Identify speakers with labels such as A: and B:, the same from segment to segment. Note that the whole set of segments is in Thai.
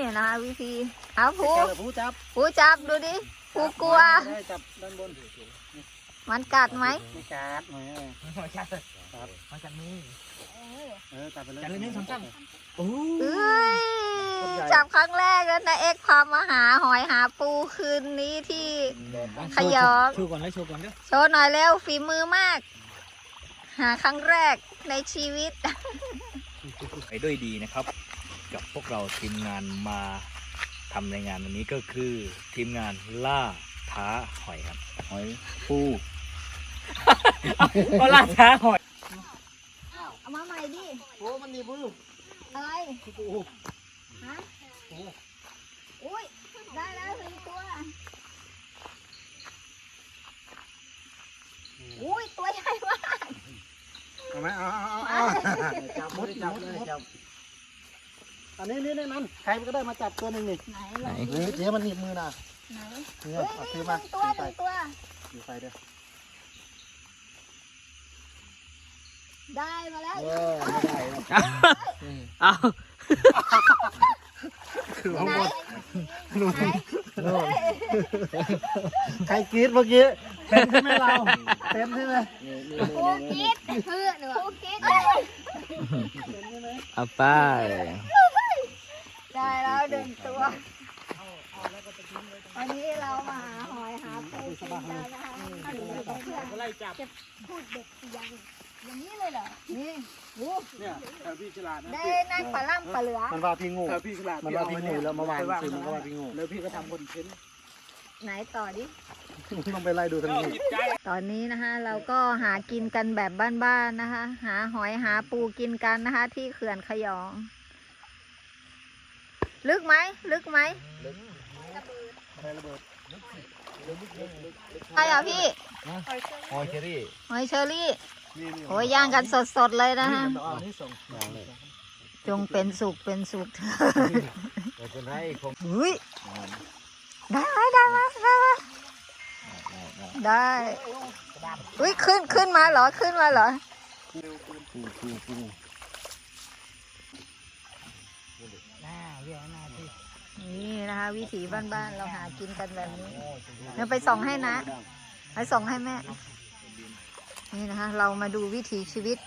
A: นะคะวิธีเอาผู
B: จับ
A: ดูดิผูกลัว
B: จับด้านบน
A: มันกัดไหม
B: ไม่กัดไม่กัดครับมาจากนี้จับไปเลย1 2 3
A: เอ้ยจับครั้งแรกแล้วนะเอ็กพามาหาหอยหาปูคืนนี้ที่ขยอง
B: โชว์ก่อนเลยโชว์ก่อนเด้อ
A: โชว์หน่อยเร็วฝีมือมากหาครั้งแรกในชีวิต
C: ไปด้วยดีนะครับกับพวกเราทีมงานมาทำในงานวันนี้ก็คือทีมงานล่าท้าหอยครับ
B: หอยปู
C: ก็ล่าท้าหอย
A: เอามาใหม่ดิ
B: โอ้มันนี่ปู
A: อะไร
B: ปู
A: ฮะอุ้ยได้แล้ว1 ตัวอุ้ยตัวใหญ่มาก
B: เอาไหมเอาจับมดจับเลยจับอันนี้นั่นใครก็ได้มาจับตัวหนึ่งนี่
A: ไหน
B: เจ๊มันหนีบมือนะ
A: ไหน
B: เนี่ยเอาซื้อมา
A: ตัว
B: อยู่ไฟเด้อ
A: ได้มาแล้ว
B: ไม่ได้
C: เอา
B: คือทั้งหมดใครกรี๊ดเมื่อกี้เต็มใช่ไหมเราเต็มใช่ไหม
A: กูคิดคือหนูกูคิด
C: เอาไป
A: ได้แล้ว1 ตัววันนี้เรามาหาหอยหาปูกินกันนะคะจะพูดเด็กอย่างนี้เลยเหรอนี่
B: เนี่ยพี่ฉลาด
A: ได้นั่งปลาล่ำปลาเหลือ
B: มันว่าพี่งูพี่ฉลาดมันว่าพี่งูแล้วเมื่อวานคือมันก็ว่าพี่งูแล้วพี่ก็ทำคอนเทนต์
A: ไหนต่อดิ
B: ต้องไปไล่ดูทางนี้
A: ตอนนี้นะคะเราก็หากินกันแบบบ้านๆนะคะหาหอยหาปูกินกันนะคะที่เขื่อนขยองลึกไหมใช่เหรอพี่
C: หอยเชอรี่
A: โอ้ยย่างกันสดๆเลยนะฮะจงเป็นสุขเถอะอุ้ยได้อุ้ยขึ้นมาเหรอนี่นะคะวิถีบ้านๆเราหากินกันแบบนี้เดี๋ยวไปส่องให้นะไปส่องให้แม่นี่นะคะเรามาดูวิถีชีวิต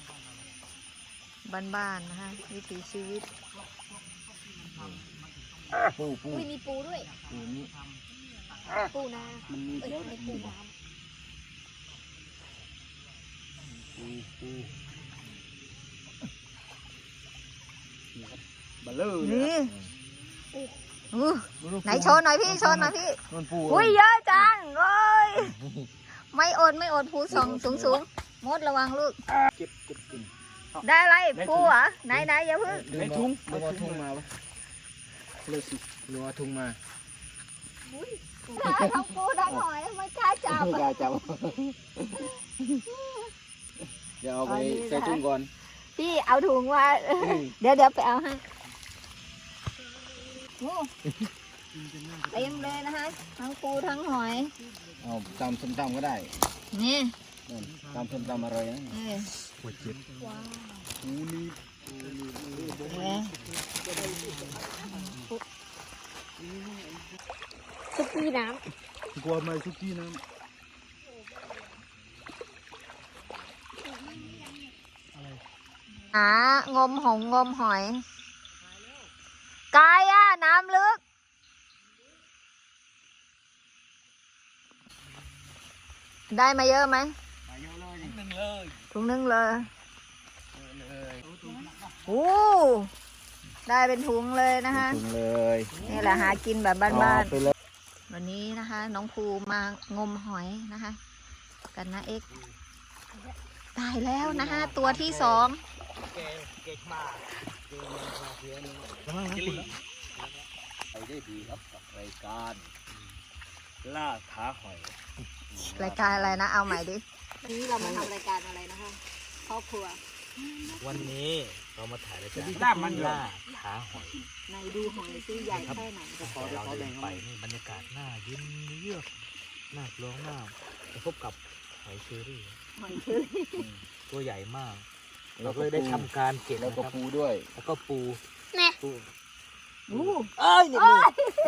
A: บ้านๆนะคะวิถีชีวิต
B: ปู
A: มีปูด้วยปูนา
B: มันมีแล้ว
A: ปูน้ำ
B: บัลเลอร์
A: นี่ไหนโชว์หน่อยพี่อุ้ยเยอะจังโอ้ยไม่อดปูสูงมดระวังลูก
B: เก็บกิน
A: ได้อะไรปูเหรอไหนอย่าพึ่ง
B: ในทุ่งมาปะเลยสิรัวทุ่งมา
A: ทั้งปูทั้งหอยไม่กล้าจับ
B: เดี๋ยวเอาไปใส่ถุงก่อน
A: พี่เอาถุงมาเดี๋ยวไปเอาให้เต็มเลยนะคะทั้งปูทั้งหอย
B: เอาตำส้มตำก็ได้
A: นี่
B: ตำส้มตำอะไรนะ
C: หัวเจ็บ
B: ปูนี่
A: ซุกี้น้
B: ำกลัวไหมซุกี้น้ำ
A: งมหอยกายน้ำลึกได้มาเยอะไหมถุงนึงเลยโอ้ได้เป็นถุงเลยนะคะนี่แหละหากินแบบบ้านๆวันนี้นะคะน้องภูมางมหอยนะคะกันนะเอ็กได้แล้วนะคะตัวที่2
C: ไปได้ดีครับกับรายการล่าท้าหอย
A: รายการอะไรนะเอาใหม่ดิวันนี้เรามาทำรายการอะไรนะคะครอบครัว
C: วันนี้เรามาถ่ายรายการล่าท้าหอย
A: ในดูหอยซิใหญ่แค่ไหน
C: เราเดินไปนี่บรรยากาศน่าเย็นเยือกน่ากลัวมากจะพบกับหอยเชอรี่ตัวใหญ่มากเราเลยได้ทำการเก็บ
B: แล้วก็ปูด้วย
C: แล้วก็ปู
A: อู้
C: เอ้ยนี่มือ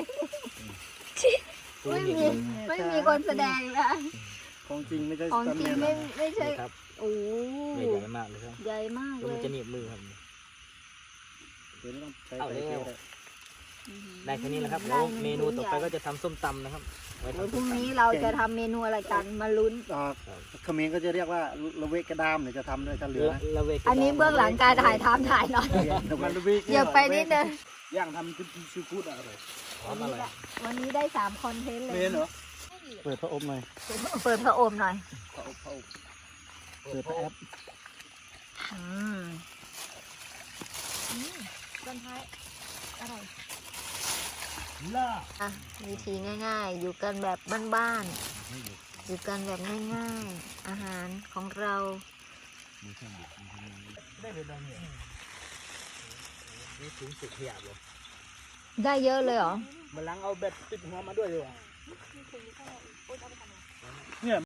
A: ไม่มีคนแสดงนะ
B: ของจริงไม่ใช่
A: ของจริงไม่ใช่
C: ครับ
A: โอ้
C: ใหญ่มากเลยครับ
A: ใหญ่มาก
C: แล้ว
A: เล
C: มัน
A: ย
C: จะหนีบมือครับ
B: เดี๋ยวไม่ต้องใช้
C: เอา
B: ไฟ
C: เร็ว
B: เยอะ
C: ได้แค่นี้แหละครับแล้วเมนูต่อไปก็จะทำส้มตำนะครับไว้
A: เดี๋ยว
C: ทำ
A: พ
C: ส้
A: รุ่
C: ม
A: ง
C: ตำ
A: นี้เราจะทำเมนูอะไรกันมาลุ้น
B: เขมิ้นก็จะเรียกว่าละเวกกระดามเนี่ยจะทำด้วยถ้าเหลือนะ
C: ละเวก
A: อันนี้เบื้องหลังการถ่ายทำถ่ายหน่อย
B: มันละเวก
A: เหยียบไปนิดนึง
B: ย่างทำคือซีฟู้ดอะไร
C: ทำอะไร
A: วันนี้ได้3คอนเทนต์เลย
B: เมนเหรอเปิดพระอบหน่อย
A: เปิดพระโอมหน่อย
B: พระอบเปิดพระแอป
A: อืมต้นท้ายอร่อย
C: ล่า
A: อ่ะวิธีง่ายๆ อยู่กันแบบบ้านๆ อยู่กันแบบง่ายๆ อาหารของเรา
C: ได้เป็นดังเนี่ยนี่ถุงสุกขยะเลย
A: ได้เยอะเลยเหรอ
C: มันล้างเอาแบตติดหัวมาด้วยดีกว่า